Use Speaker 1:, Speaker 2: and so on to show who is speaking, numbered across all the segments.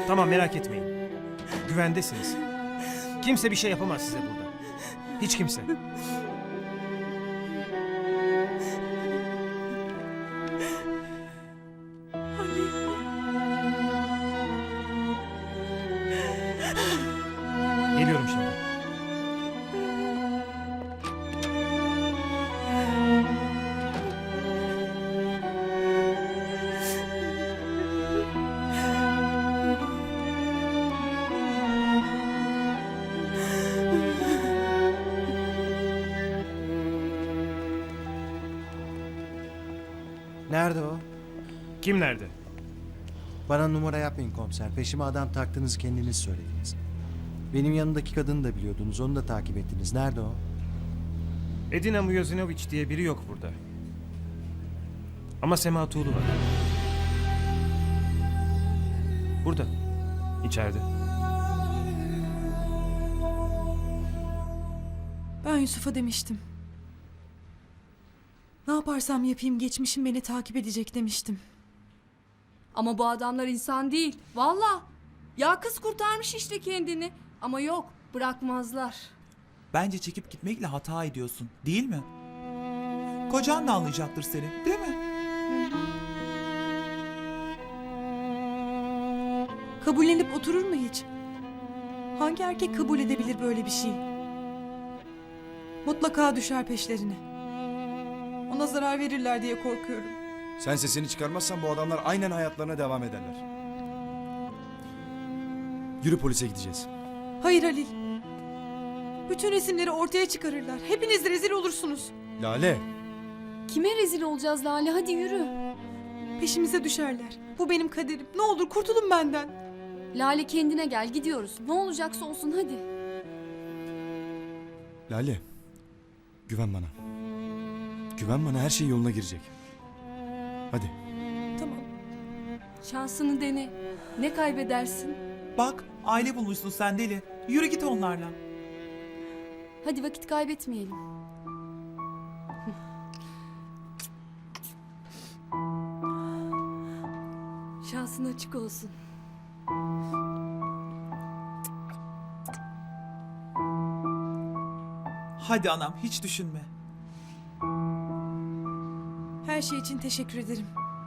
Speaker 1: Tamam, merak etmeyin. Güvendesiniz. Kimse bir şey yapamaz size burada. Hiç kimse. Geliyorum şimdi.
Speaker 2: Nerede o?
Speaker 1: Kim nerede?
Speaker 2: Bana numara yapmayın komiser. Peşime adam taktığınızı kendiniz söylediniz. Benim yanındaki kadını da biliyordunuz. Onu da takip ettiniz. Nerede o?
Speaker 1: Edina Mujozinovic diye biri yok burada. Ama Sema Tuğlu var. Burada. İçeride.
Speaker 3: Ben Yusuf'a demiştim. Ne yaparsam yapayım geçmişim beni takip edecek demiştim.
Speaker 4: Ama bu adamlar insan değil. Valla. Ya kız kurtarmış işte kendini. Ama yok, bırakmazlar.
Speaker 5: Bence çekip gitmekle hata ediyorsun, değil mi? Kocan da anlayacaktır seni, değil mi?
Speaker 3: Kabullenip oturur mu hiç? Hangi erkek kabul edebilir böyle bir şey? Mutlaka düşer peşlerine. Ona zarar verirler diye korkuyorum.
Speaker 6: Sen sesini çıkarmazsan bu adamlar aynen hayatlarına devam ederler. Yürü, polise gideceğiz.
Speaker 3: Hayır Halil. Bütün resimleri ortaya çıkarırlar. Hepiniz rezil olursunuz.
Speaker 6: Lale,
Speaker 4: Kime rezil olacağız Lale? Hadi yürü.
Speaker 3: Peşimize düşerler. Bu benim kaderim. Ne olur kurtulun benden.
Speaker 4: Lale kendine gel, gidiyoruz. Ne olacaksa olsun hadi.
Speaker 6: Lale. Güven bana. Güven bana, her şey yoluna girecek. Hadi.
Speaker 3: Tamam.
Speaker 4: Şansını dene. Ne kaybedersin?
Speaker 5: Bak, aile bulmuşsun sen deli. Yürü git onlarla.
Speaker 4: Hadi vakit kaybetmeyelim. Şansın açık olsun.
Speaker 5: Hadi anam, hiç düşünme.
Speaker 3: Her şey için teşekkür ederim.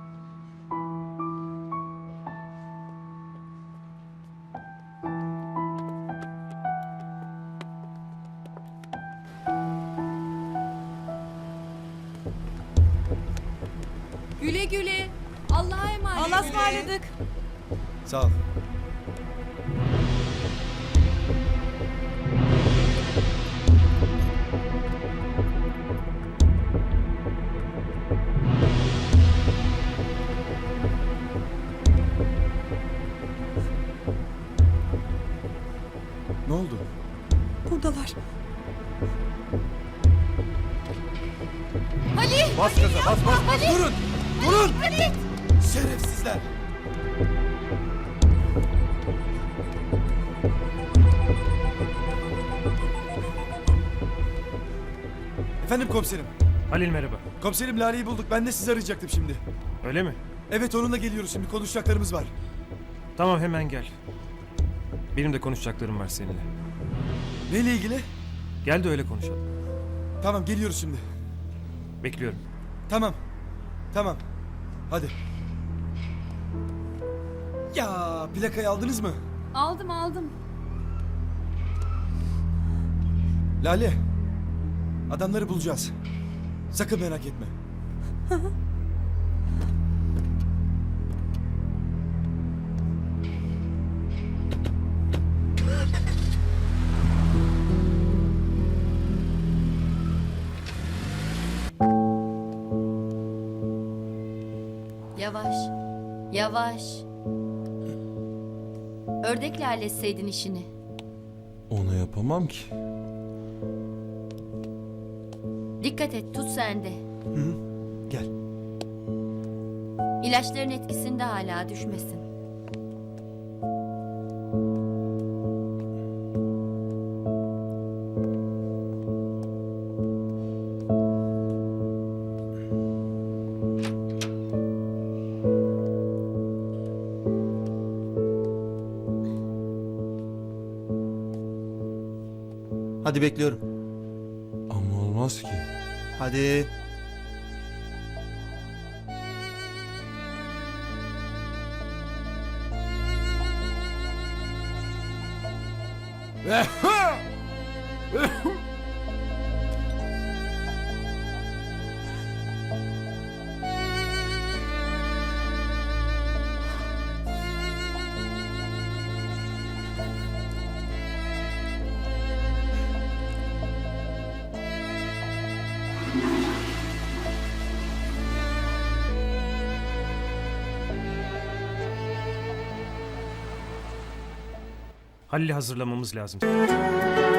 Speaker 4: Güle güle. Allah'a emanet.
Speaker 3: Allah'a ısmarladık.
Speaker 6: Sağ ol. Ne oldu?
Speaker 3: Buradalar.
Speaker 1: Bas gaza, bas bas.
Speaker 6: Durun! Durun! Şerefsizler! Efendim komiserim.
Speaker 1: Halil merhaba.
Speaker 6: Komiserim, Lale'yi bulduk. Ben de sizi arayacaktım şimdi.
Speaker 1: Öyle mi?
Speaker 6: Evet, onunla geliyoruz şimdi. Konuşacaklarımız var.
Speaker 1: Tamam, hemen gel. Benim de konuşacaklarım var seninle.
Speaker 6: Neyle ilgili?
Speaker 1: Gel de öyle konuşalım.
Speaker 6: Tamam, geliyoruz şimdi.
Speaker 1: Bekliyorum.
Speaker 6: Tamam. Tamam. Hadi. Ya, plakayı aldınız mı?
Speaker 4: Aldım.
Speaker 6: Lale. Adamları bulacağız. Sakın merak etme.
Speaker 7: Yavaş. Yavaş. Ördekle halletseydin işini.
Speaker 8: Onu yapamam ki.
Speaker 7: Dikkat et, tut sen de.
Speaker 6: Gel.
Speaker 7: İlaçların etkisinde hala düşmesin.
Speaker 9: Hadi bekliyorum.
Speaker 8: Ama olmaz ki.
Speaker 9: Hadi.
Speaker 1: Halil'i hazırlamamız lazım.